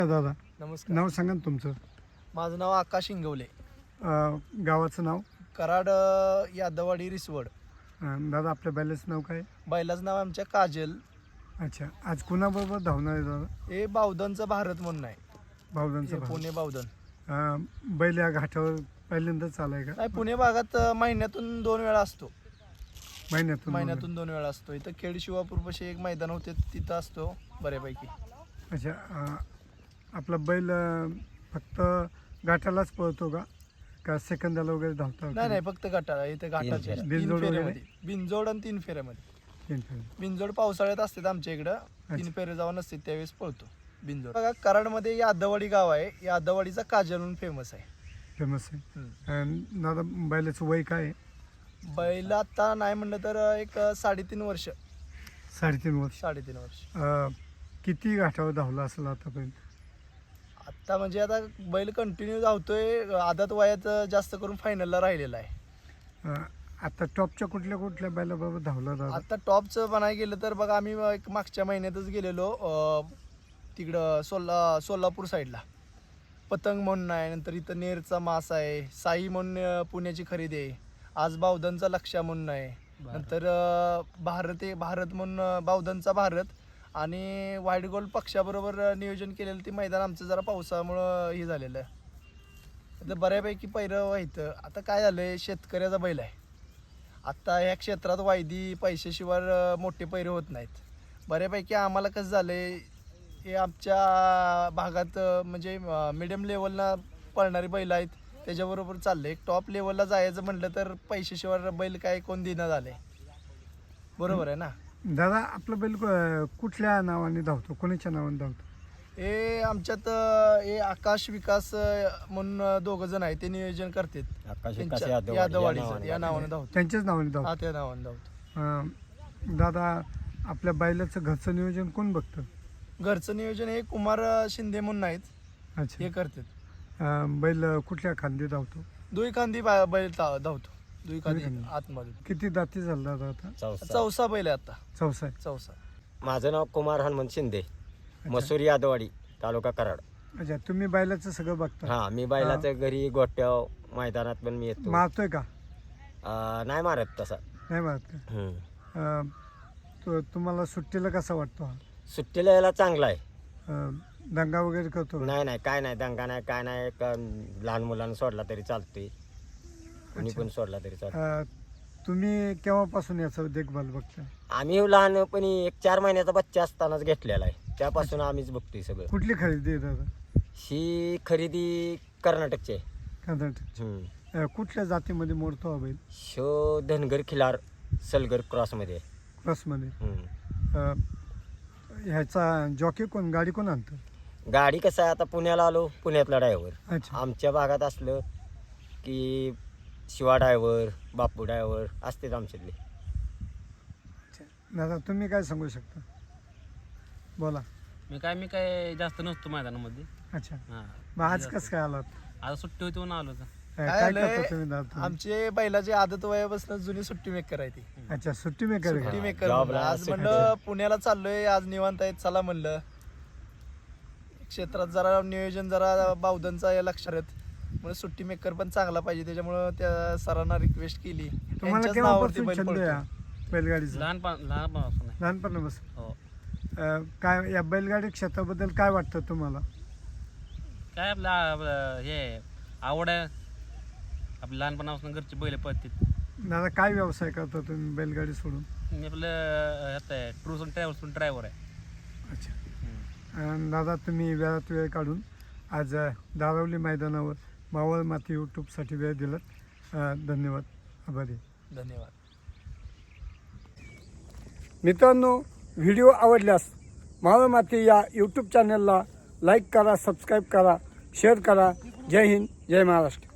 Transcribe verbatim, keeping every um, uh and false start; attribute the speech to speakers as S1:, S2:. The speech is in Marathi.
S1: दादा
S2: नमस्कार.
S1: नाव सांगा ना तुमचं.
S2: माझं नाव आकाश इंगवले.
S1: अ, गावाचं नाव.
S2: कराड अ, यादवाडी रिसवड.
S1: अ, दादा आपल्या बैलाचं नाव काय.
S2: बैलाचं नाव आमच्या काजल.
S1: अच्छा, आज कुणाबरोबर धावणार आहे दादा.
S2: हे बावधनचं भारत म्हणून आहे.
S1: बावधनचं
S2: हे
S1: भाऊ.
S2: पुणे बावधन.
S1: अ, बैल या घाटावर पहिल्यांदाच आलाय का.
S2: नाही, पुणे भागात अ, महिन्यातून दोन वेळा असतो.
S1: महिन्यातून
S2: महिन्यातून दोन वेळा असतो. इथं खेड शिवापूरपाशी एक मैदान होते, तिथं असतो बऱ्यापैकी.
S1: अच्छा, अ, आपला बैल अ, फक्त घाटालाच पळतो का का सेकंदाला वगैरे धावता.
S2: नाही नाही, फक्त गटाला. इथे घाटाच्या
S1: फेऱ्या.
S2: तीन
S1: बिनजोड वगैरे?
S2: फेऱ्यामध्ये. बिनजोड आणि तीन फेऱ्यामध्ये.
S1: तीन फेरे.
S2: बिनजोड पावसाळ्यात असतात आमच्या इकडं. तीन
S1: अच्छा.
S2: फेरे जेव्हा नसते त्यावेळेस पळतो बिनजोड. बघा, कराडमध्ये यादवाडी गाव आहे. यादवाडीचा काजल म्हणून फेमस आहे.
S1: फेमस आहे.
S2: हम्म.
S1: अ, दादा बैलाचं वय काय आहे.
S2: बैल आता नाही म्हणलं तर एक साडेतीन वर्ष.
S1: साडेतीन वर्ष.
S2: साडेतीन वर्ष.
S1: अ, किती घाटावर धावला असेल आतापर्यंत.
S2: आता म्हणजे आता बैल कंटिन्यू धावतोय. आदात वयात जास्त करून फायनलला राहिलेला आहे.
S1: अ, आता टॉपच्या कुठल्या कुठल्या बैलाबरोबर धावला दादा.
S2: आता टॉपचं म्हणाय गेलं तर बघा, आम्ही एक मागच्या महिन्यातच गेलेलो अं, तिकडं सोला सोलापूर साईडला. पतंग म्हणून आहे. नंतर इथं नेरचा मास आहे. साई म्हणून अं, पुण्याची खरेदी आहे. आज बावधनचा लक्ष्या म्हणून आहे. नंतर अं, भारत आहे भारत म्हणून अं, बावधनचा भारत आणि व्हाईट गोल्ड पक्षाबरोबर अं, नियोजन केलेलं ते मैदान आमचं जरा पावसामुळं हे झालेलं आहे. आता बऱ्यापैकी पैरं व्हायचं. आता काय झालंय, शेतकऱ्याचा बैल आहे. आत्ता ह्या क्षेत्रात वायदी पैशाशिवाय अं, मोठे पैरे होत नाहीत. बऱ्यापैकी आम्हाला कसं झालंय, हे आमच्या भागात अं, म्हणजे मिडियम लेवलला पळणारी बैल आहेत, त्याच्याबरोबर चाललंय. एक टॉप लेवलला जायचं म्हटलं तर पैशाशिवाय बैल काय कोण देणं झालंय. बरोबर आहे ना.
S1: दादा आपलं बैल अ, कुठल्या नावाने धावतो, कोणाच्या नावाने धावतो.
S2: हे आमच्यात अं, हे आकाश विकास अं, म्हणून दोघ जण आहेत, ते नियोजन करतात.
S3: आकाश विकास
S2: त्यांच्या-
S3: यादव
S2: यादवाडीचं या नावाने धावतो.
S1: त्यांच्याच नावाने
S2: हा,
S1: धावतो.
S2: त्या नावाने धावतो.
S1: अ, दादा आपल्या बैलाचं घरचं नियोजन कोण बघतं.
S2: घरचं नियोजन हे कुमार शिंदे म्हणून आहेत,
S1: अच्छा.
S2: हे करतात.
S1: अ, बैल कुठल्या खांदी धावतो.
S2: दुई खांदी बा- बैल धा- धावतो. दुई खांदी
S1: खांदी.
S2: आतमध्ये.
S1: किती दाती झाला दादा आता.
S3: चौसा.
S2: चौसा बैल आहे आता.
S1: चौसा आहे.
S2: चौसा.
S3: माझं नाव कुमार हनुमंत शिंदे, मसूर यादवाडी, तालुका कराड.
S1: अच्छा, तुम्ही बैलाचं सगळं बघता.
S3: हा, मी बैलाच्या घरी गोट्याव मैदानात पण मी येतो.
S1: मारतोय का.
S3: अं, नाही मारत तसा.
S1: नाही मारत का?
S3: हम्म.
S1: अ, तो तुम्हाला सुट्टीला कसा वाटतो हा.
S3: सुट्टीला यायला चांगला आहे.
S1: अ, दंगा वगैरे करतो का?
S3: नाही नाही, काय नाही, दंगा नाही, काय नाही. का लहान मुलांना सोडला तरी चालतोय, कोणी
S1: अच्छा.
S3: पण सोडला तरी चालतो.
S1: अ, तुम्ही केव्हापासून याचं देखभाल बघता.
S3: आम्ही लहानपणी एक चार महिन्याचा बच्चा असतानाच घेतलेला आहे, त्यापासून आम्हीच बघतोय सगळं.
S1: कुठली खरेदी आहे दादा.
S3: ही खरेदी कर्नाटकची आहे.
S1: कर्नाटक.
S3: हम्म.
S1: अ, कुठल्या जातीमध्ये मोडतो हा बैल.
S3: शो धनगर खिलार सलगर क्रॉसमध्ये आहे.
S1: क्रॉसमध्ये.
S3: हम्म.
S1: अ, ह्याचा जॉकी कोण, गाडी कोण आणतं.
S3: गाडी कसं आहे, आता पुण्याला आलो, पुण्यातला ड्रायव्हर.
S1: अच्छा.
S3: आमच्या भागात असलं की शिवा ड्रायव्हर, बापू ड्रायव्हर असतेच आमच्यातले.
S1: दादा तुम्ही काय सांगू शकता, बोला.
S4: मी काय मी काय जास्त नसतो मैदानामध्ये.
S1: अच्छा,
S4: हा,
S1: मग आज कसं काय आलात.
S4: आता सुट्टी होती म्हणून आलो होतं.
S1: अ,
S2: काय
S1: काय
S2: झालंय,
S1: करता तुम्ही दादा तुम्ही?
S2: आमचे बैलाची आदत वयापासून जुनी सुट्टी मेकर आहे ती.
S1: अच्छा, सुट्टी मेकर
S2: सुट्टी
S1: का.
S2: मेकर
S3: जॉबला
S2: म्हणलं. आज
S3: सुट्टी.
S2: म्हणलं पुण्याला चाललोय, आज निवांत आहेत, चला म्हणलं. क्षेत्रात जरा नियोजन जरा बावधनचा या लक्षात येत. म्हणून सुट्टी मेकर पण चांगला पाहिजे, त्याच्यामुळं त्या सरांना रिक्वेस्ट केली.
S1: तुम्हाला
S2: त्यांच्याच नावावरती
S1: केव्हापासून
S2: बैल
S1: छंद
S2: पळतो.
S1: या बैलगाडीचा.
S4: लहानपण लहानपणापासून आहे.
S1: लहानपणापासून.
S4: हो.
S1: अ, काय या बैलगाडी क्षेत्राबद्दल काय वाटतं तुम्हाला.
S4: काय आपलं आपलं हे आवड आहे. आपल्या लहानपणापासून घरची बैल पळतात.
S1: दादा काय व्यवसाय करता तुम्ही बैलगाडी सोडून.
S4: मी आपलं ह्यात आहे टूर्स अँड ट्रॅव्हल्स ड्रायव्हर आहे.
S1: अच्छा.
S4: हम्म.
S1: अ, दादा तुम्ही वेळात वेळ काढून आज अ, दारवली मैदानावर मावळ माती यूट्यूबसाठी वेळ दिलात. अ, धन्यवाद, आभारी.
S2: धन्यवाद.
S1: मित्रांनो, व्हिडिओ आवडल्यास मावळ माती या यूट्यूब चॅनलला लाईक करा, सबस्क्राईब करा, शेअर करा. जय हिंद, जय महाराष्ट्र.